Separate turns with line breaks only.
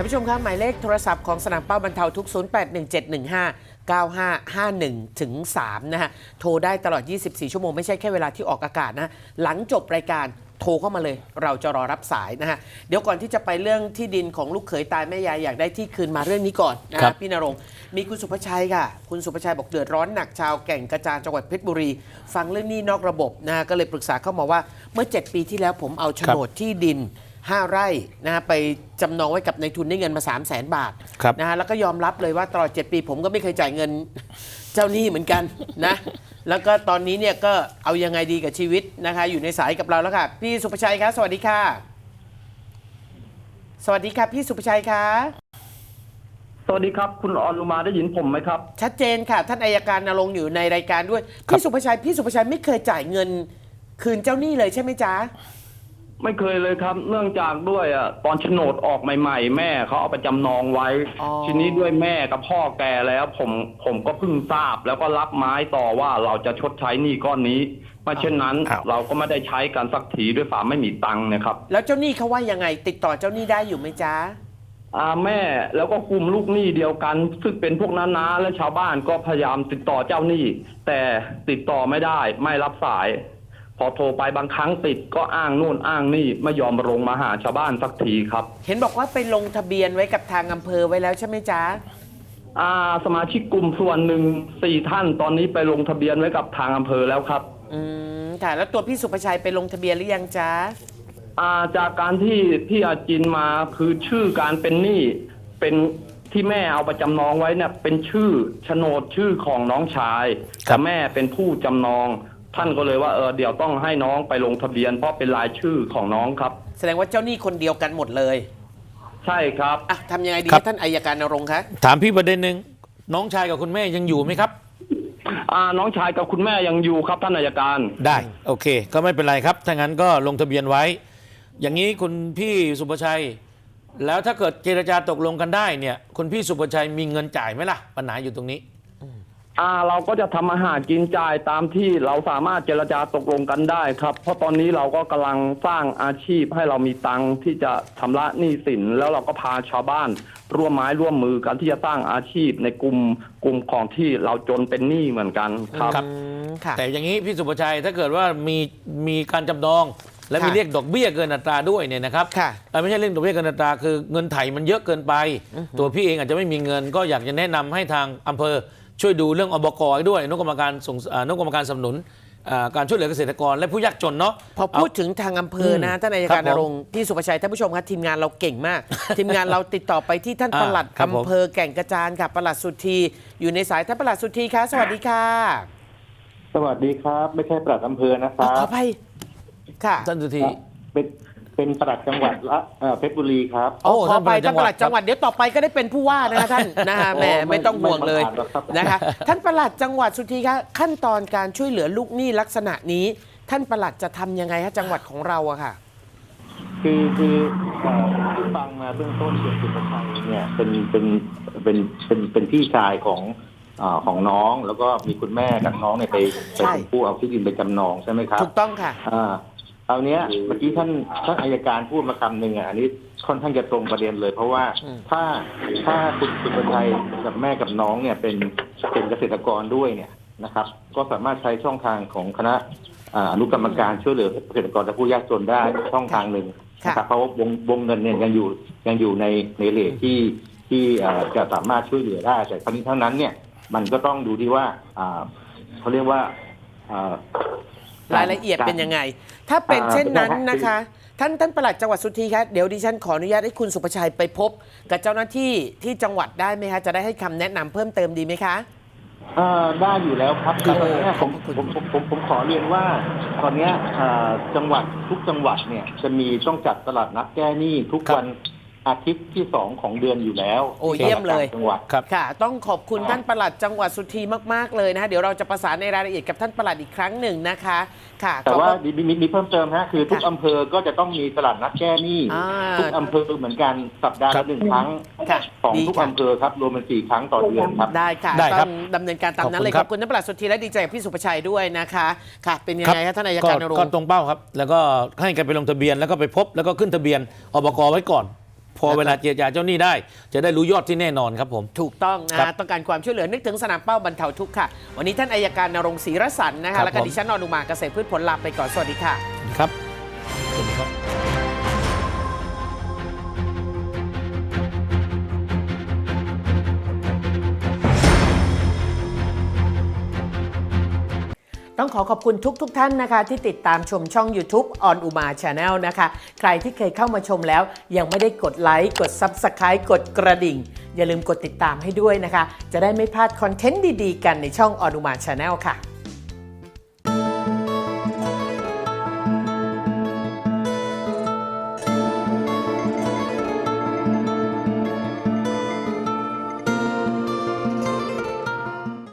านผู้ชมครับหมายเลขโทรศัพท์ของสนามเป้าบรรเทาทุกข์ 0817159551ถึง3นะฮะโทรได้ตลอด 24 ชั่วโมงไม่ใช่แค่เวลาที่ออกอากาศนะหลังจบรายการโทรเข้ามาเลยเราจะรอรับสายนะฮะเดี๋ยวก่อนที่จะไปเรื่องที่ดินของลูกเขยตายแม่ยายอยากได้ที่คืนมาเรื่องนี้ก่อนนะพี่ณรงค์มีคุณสุภชัยค่ะคุณสุภชัยบอกเดือดร้อนหนักชาวแก่งกระจานจังหวัดเพชรบุรีฟังเรื่องหนี้นอกระบบนะฮะก็เลยปรึกษาเข้ามาว่าเมื่อ7 ปีที่แล้วผมเอาโฉนดที่ดิน5 ไร่นะฮะไปจำนองไว้กับนายทุนได้เงินมา 300,000 บาทนะฮะแล้วก็ยอมรับเลยว่าตลอด7 ปีผมก็ไม่เคยจ่ายเงินเจ้าหนี้เหมือนกันนะแล้วก็ตอนนี้เนี่ยก็เอายังไงดีกับชีวิตนะคะอยู่ในสายกับเราแล้วค่ะพี่สุภชัยคะสวัสดีค่ะสวัสดีค่ะพี่สุภชัยคะ
สวัสดีครับคุณออนอุมาได้ยินผมไหมครับ
ชัดเจนค่ะท่านอัยการณรงค์อยู่ในรายการด้วยพี่สุภชัยไม่เคยจ่ายเงินคืนเจ้าหนี้เลยใช่ไหมจ๊ะ
ไม่เคยเลยครับเนื่องจากด้วยตอนโฉนดออกใหม่ๆแม่เขาเอาไปจำนองไว้ทีนี้ด้วยแม่กับพ่อแก่แล้วผมก็เพิ่งทราบแล้วก็รับไม้ต่อว่าเราจะชดใช้หนี้ก้อนนี้ไม่เช่นนั้นเราก็ไม่ได้ใช้กันสักทีด้วยฝ่าไม่มีตังค์นะครับ
แล้วเจ้าหนี้เขาว่ายังไงติดต่อเจ้าหนี้ได้อยู่ไหมจ๊ะ
แม่แล้วก็กลุ่มลูกหนี้เดียวกันซึ่งเป็นพวกน้าๆและชาวบ้านก็พยายามติดต่อเจ้าหนี้แต่ติดต่อไม่ได้ไม่รับสายพอโทรไปบางครั้งติดก็อ้างนู่นอ้างนี่ไม่ยอมลงมาหาชาวบ้านสักทีครับ
เห็นบอกว่าไปลงทะเบียนไว้กับทางอำเภอไว้แล้วใช่ไหมจ๊ะ
สมาชิกกลุ่มส่วนหนึ่ง4 ท่านตอนนี้ไปลงทะเบียนไว้กับทางอำเภอแล้วครับ
ค่ะแล้วตัวพี่สุภชัยไปลงทะเบียนหรือยังจ๊ะ
จากการที่พี่อาจินมาคือชื่อการเป็นหนี้เป็นที่แม่เอาไปจำนองไว้เนี่ยเป็นชื่อโฉนดชื่อของน้องชายแต่แม่เป็นผู้จำนองท่านก็เลยว่าเดี๋ยวต้องให้น้องไปลงทะเบียนเพราะเป็นรายชื่อของน้องครับ
แสดงว่าเจ้าหนี้คนเดียวกันหมดเลย
ใช่ครับ
ทำยังไงดีท่านอัยการณรงค์คะ
ถามพี่ประเด็นหนึ่งน้องชายกับคุณแม่ยังอยู่ไหมครับ
น้องชายกับคุณแม่ยังอยู่ครับท่านอัยการ
ได้โอเคก็ไม่เป็นไรครับถ้างั้นก็ลงทะเบียนไว้อย่างนี้คุณพี่สุภชัยแล้วถ้าเกิดเจรจาตกลงกันได้เนี่ยคุณพี่สุภชัยมีเงินจ่ายไหมล่ะปัญหาอยู่ตรงนี้
เราก็จะทำอาหารกินจ่ายตามที่เราสามารถเจรจาตกลงกันได้ครับเพราะตอนนี้เราก็กำลังสร้างอาชีพให้เรามีตังค์ที่จะชำระหนี้สินแล้วเราก็พาชาวบ้านร่วมไม้ร่วมมือกันที่จะสร้างอาชีพในกลุ่มของที่เราจนเป็นหนี้เหมือนกันครับ
แต่อย่างนี้พี่สุภชัยถ้าเกิดว่ามีการจำนองและมีเรียกดอกเบี้ยเกินอัตราด้วยเนี่ยนะครับไม่ใช่เรื่องดอกเบี้ยเกินอัตราคือเงินไถ่มันเยอะเกินไปตัวพี่เองอาจจะไม่มีเงินก็อยากจะแนะนำให้ทางอำเภอช่วยดูเรื่องอบก.ด้วยอนุกรรมการสนับสนุนการช่วยเหลือเกษตรกรและผู้ยากจนเนาะ
พอพูดถึงทางอำเภอนะท่านอัยการณรงค์พี่สุภชัยท่านผู้ชมครับทีมงานเราเก่งมาก ทีมงานเราติดต่อไปที่ท่านปลัดอำเภอแก่งกระจานค่ะปลัดสุธีอยู่ในสายท่านปลัดสุธีคะสวัสดีค่ะ
สวัสดีครับไม่ใช่ปลัดอำเภอนะครับ
ขออภัยค่ะ
ท่านสุธี
เป็นปลัดจังหวัดเพชรบุรีครับ
ขอไปท่านปลัดจังหวัดเดี๋ยวต่อไปก็ได้เป็นผู้ว่านะท่านนะฮะแม่ไม่ต้องห่วงเลยนะคะท่านปลัดจังหวัดสุธีคะขั้นตอนการช่วยเหลือลูกหนี้ลักษณะนี้ท่านปลัดจะทำยังไงฮะจังหวัดของเราอะค่ะ
คือที่ฟังมาเบื้องต้นเกี่ยวกับสุภชัยเนี่ยเป็นพี่ชายของน้องแล้วก็มีคุณแม่กับน้องเนี่ยไปเป็นผู้เอาที่ดินไปจำนองใช่ไหมครับ
ถูกต้องค่ะ
เอาเนี้ยเมื่อกี้ท่านอัยการพูดมาคำหนึ่งอันนี้ค่อนข้างจะตรงประเด็นเลยเพราะว่าถ้าคุณสุภชัยกับแม่กับน้องเนี่ยเป็นเกษตรกรด้วยเนี่ยนะครับก็สามารถใช้ช่องทางของคณะอนุกรรมการช่วยเหลือเกษตรกรและผู้ยากจนได้ช่องทางหนึ่งนะครับเพราะวงเงินเนี่ยยังอยู่ในเรทที่จะสามารถช่วยเหลือได้แต่ครั้งนี้เท่านั้นเนี่ยมันก็ต้องดูที่ว่าเขาเรียกว่
ารายละเอียดเป็นยังไงถ้าเป็นเช่นนั้นนะคะท่านปลัดจังหวัดสุธีคะเดี๋ยวดิฉันขออนุญาตให้คุณสุภชัยไปพบกับเจ้าหน้าที่ที่จังหวัดได้ไหมคะจะได้ให้คำแนะนำเพิ่มเติมดีไหมคะ
ได้อยู่แล้วครับคือผมขอเรียนว่าตอนนี้จังหวัดทุกจังหวัดเนี่ยจะมีต้องจัดตลาดนัดแก้หนี้ทุกวันอาทิตย์ที่2ของเดือนอยู่แล้ว
โอ้เยี่ยมเลย
จังหวัด
ค่ะต้องขอบคุณท่านปลัดจังหวัดสุธีมากๆเลยนะคะเดี๋ยวเราจะประสานในรายละเอียดกับท่านปลัดอีกครั้งหนึ่งนะคะค่ะ
แต่ว่ามีเพิ่มเติมฮะคือทุกอำเภอก็จะต้องมีตลาดนัดแก้หนี้ทุกอำเภอเหมือนกันสัปดาห์ละ1 ครั้งของทุกอำเภอครับรวมเป็น4 ครั้งต่อเดือนครับ
ได้ค่ะต้องดำเนินการตามนั้นเลยขอบคุณท่านปลัดสุธีและดีใจกับพี่สุภชัยด้วยนะคะค่ะเป็นยังไงครับท่านอัยการณรงค์
ก็ตรงเป้าครับแล้วก็ให้กันไปลงทะเบียนแล้วก็ไปพบแล้วก็ขึ้นทะเบียนอบก.ไว้ก่อนพอเวลาเจรจาเจ้าหนี้ได้ จะได้รู้ยอดที่แน่นอนครับผม
ถูกต้องนะ
ครั
ฮะ
บ
ต้องการความช่วยเหลือนึกถึงสนามเป้าบรรเทาทุกข์ค่ะ วันนี้ท่านอัยการณรงค์ศรีรสันต์นะ
ครั
คะ
บ
แล้วก็
ผม
ดิฉันอนุมาเกษตรพืชผลลาไปก่อนสวัสดีค่ะ
ครับสวัสดีครับ
ต้องขอบคุณทุกท่านนะคะที่ติดตามชมช่อง YouTube On Uma Channel นะคะ ใครที่เคยเข้ามาชมแล้วยังไม่ได้กดไลค์กด Subscribe กดกระดิ่ง อย่าลืมกดติดตามให้ด้วยนะคะ จะได้ไม่พลาดคอนเทนต์ดีๆกันในช่อง On Uma Channel ค่ะ